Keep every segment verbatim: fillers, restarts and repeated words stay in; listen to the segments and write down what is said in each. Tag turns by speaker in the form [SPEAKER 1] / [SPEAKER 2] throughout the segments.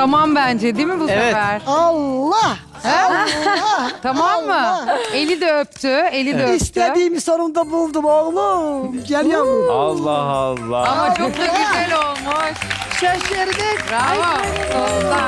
[SPEAKER 1] Tamam bence değil mi bu
[SPEAKER 2] Evet.
[SPEAKER 1] sefer?
[SPEAKER 3] Allah! Allah!
[SPEAKER 1] Tamam mı?
[SPEAKER 3] Allah!
[SPEAKER 1] Eli de öptü, eli de öptü.
[SPEAKER 3] İstediğimi sonunda buldum oğlum. Gel yavrum.
[SPEAKER 4] Allah Allah.
[SPEAKER 1] Ama çok da güzel olmuş.
[SPEAKER 3] Şaşırdık.
[SPEAKER 1] Bravo. Sonunda.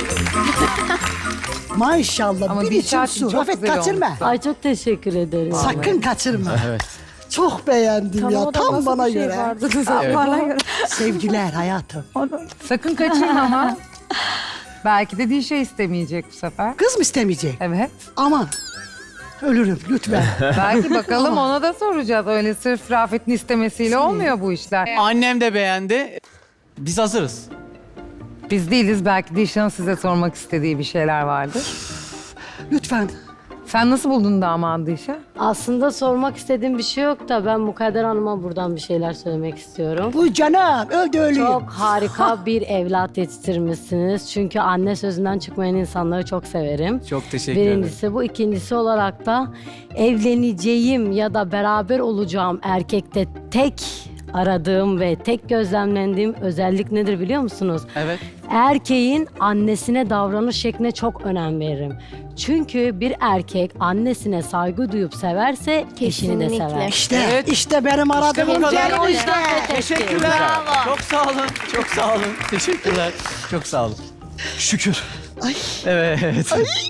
[SPEAKER 3] Maşallah.
[SPEAKER 1] Ama
[SPEAKER 3] bir
[SPEAKER 1] bir
[SPEAKER 3] içim
[SPEAKER 1] saat
[SPEAKER 3] su.
[SPEAKER 1] çok
[SPEAKER 3] Rafet
[SPEAKER 1] güzel
[SPEAKER 3] kaçırma.
[SPEAKER 1] olmuşsun.
[SPEAKER 5] Ay çok teşekkür ederim.
[SPEAKER 3] Sakın kaçırma.
[SPEAKER 2] Evet.
[SPEAKER 3] Çok beğendim ya. Tam bana göre.
[SPEAKER 2] Evet.
[SPEAKER 6] Bana göre.
[SPEAKER 3] Sevgiler hayatım.
[SPEAKER 1] Sakın kaçırma ama. Belki de Dişe istemeyecek bu sefer.
[SPEAKER 3] Kız mı istemeyecek?
[SPEAKER 1] Evet.
[SPEAKER 3] Aman. Ölürüm lütfen.
[SPEAKER 1] Belki bakalım ona da soracağız. Öyle sırf Rafet'in istemesiyle olmuyor bu işler.
[SPEAKER 2] Annem de beğendi. Biz hazırız.
[SPEAKER 1] Biz değiliz. Belki Dişe'nin size sormak istediği bir şeyler vardır.
[SPEAKER 3] Lütfen.
[SPEAKER 1] Sen nasıl buldun damadı Dişe?
[SPEAKER 5] Aslında sormak istediğim bir şey yok da ben Mukadder Hanım'a buradan bir şeyler söylemek istiyorum.
[SPEAKER 3] Bu canım. Öldü ölüyüm.
[SPEAKER 5] Çok harika bir evlat yetiştirmişsiniz. Çünkü anne sözünden çıkmayan insanları çok severim.
[SPEAKER 2] Çok teşekkür ederim.
[SPEAKER 5] Birincisi bu. İkincisi olarak da evleneceğim ya da beraber olacağım erkekte tek aradığım ve tek gözlemlendiğim özellik nedir biliyor musunuz?
[SPEAKER 2] Evet.
[SPEAKER 5] Erkeğin annesine davranış şekline çok önem veririm. Çünkü bir erkek annesine saygı duyup severse eşini de
[SPEAKER 6] Kesinlikle.
[SPEAKER 5] sever.
[SPEAKER 3] İşte,
[SPEAKER 2] Evet.
[SPEAKER 3] işte benim aradığım
[SPEAKER 2] bu kadar.
[SPEAKER 3] yerim
[SPEAKER 5] O
[SPEAKER 3] işte.
[SPEAKER 5] yüzden de tek
[SPEAKER 2] Teşekkürler. Çok sağ olun. Çok sağ olun. Teşekkürler. Çok sağ olun. Şükür.
[SPEAKER 3] Ay.
[SPEAKER 2] Evet.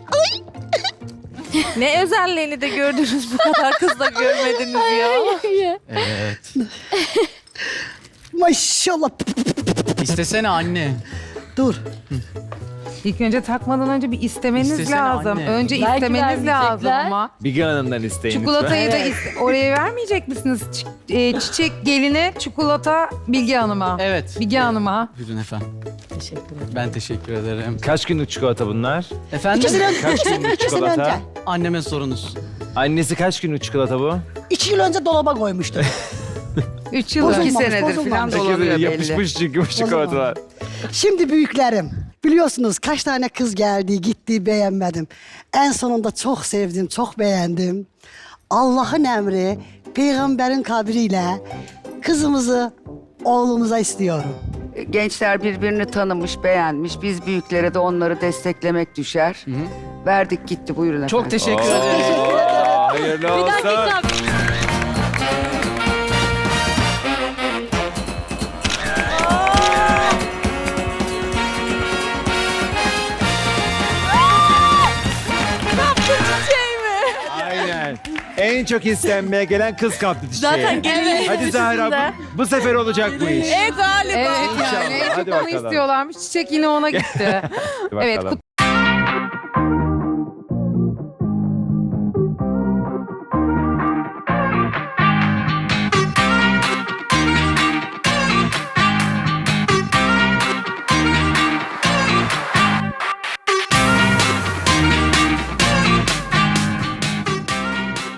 [SPEAKER 6] Ne özelliğini de gördünüz bu kadar kızla görmediniz ya.
[SPEAKER 2] Evet.
[SPEAKER 3] Maşallah.
[SPEAKER 2] İstesene anne.
[SPEAKER 3] Dur.
[SPEAKER 1] İlk önce takmadan önce bir istemeniz
[SPEAKER 2] İstesene
[SPEAKER 1] lazım.
[SPEAKER 2] anne.
[SPEAKER 1] Önce
[SPEAKER 5] Belki
[SPEAKER 1] istemeniz lazım
[SPEAKER 5] vermeyecekler.
[SPEAKER 1] ama.
[SPEAKER 4] Bilge Hanım'dan isteyin
[SPEAKER 1] Çikolatayı da
[SPEAKER 5] Evet.
[SPEAKER 1] iste- oraya vermeyecek misiniz? Ç- e, çiçek geline, çikolata Bilge Hanım'a.
[SPEAKER 2] Evet.
[SPEAKER 1] Bilge Hanım'a.
[SPEAKER 2] Buyurun efendim.
[SPEAKER 5] Teşekkür ederim.
[SPEAKER 2] Ben teşekkür ederim.
[SPEAKER 4] Kaç günlük çikolata bunlar?
[SPEAKER 2] Efendim?
[SPEAKER 3] İkisini önce.
[SPEAKER 4] Kaç günlük
[SPEAKER 3] İkisini önce.
[SPEAKER 4] çikolata?
[SPEAKER 2] Anneme sorunuz.
[SPEAKER 4] Annesi kaç günlük çikolata bu?
[SPEAKER 3] İki yıl önce dolaba koymuştum.
[SPEAKER 1] Üç yıl,
[SPEAKER 3] Bozulmamış,
[SPEAKER 1] iki senedir falan
[SPEAKER 3] bozulmamış.
[SPEAKER 1] dolanıyor belli.
[SPEAKER 4] Yapışmış çünkü bu çikolatalar.
[SPEAKER 3] Şimdi büyüklerim. Biliyorsunuz kaç tane kız geldi, gitti, beğenmedim. En sonunda çok sevdim, çok beğendim. Allah'ın emri, peygamberin kabriyle kızımızı oğlumuza istiyorum.
[SPEAKER 7] Gençler birbirini tanımış, beğenmiş. Biz büyüklere de onları desteklemek düşer. Verdik gitti, buyurun efendim.
[SPEAKER 2] Çok teşekkür ederim.
[SPEAKER 4] Oo, hayırlı olsun. Aynen. En çok istenmeye gelen kız kaptı çiçeği.
[SPEAKER 6] Zaten gelinlik
[SPEAKER 4] Hadi Zahra bu, bu sefer olacak bu iş.
[SPEAKER 6] E galiba.
[SPEAKER 1] Evet
[SPEAKER 4] İnşallah.
[SPEAKER 1] yani en
[SPEAKER 4] Hadi
[SPEAKER 1] çok onu
[SPEAKER 4] bakalım.
[SPEAKER 1] istiyorlarmış. Çiçek yine ona gitti.
[SPEAKER 4] Hadi
[SPEAKER 1] Evet,
[SPEAKER 4] bakalım.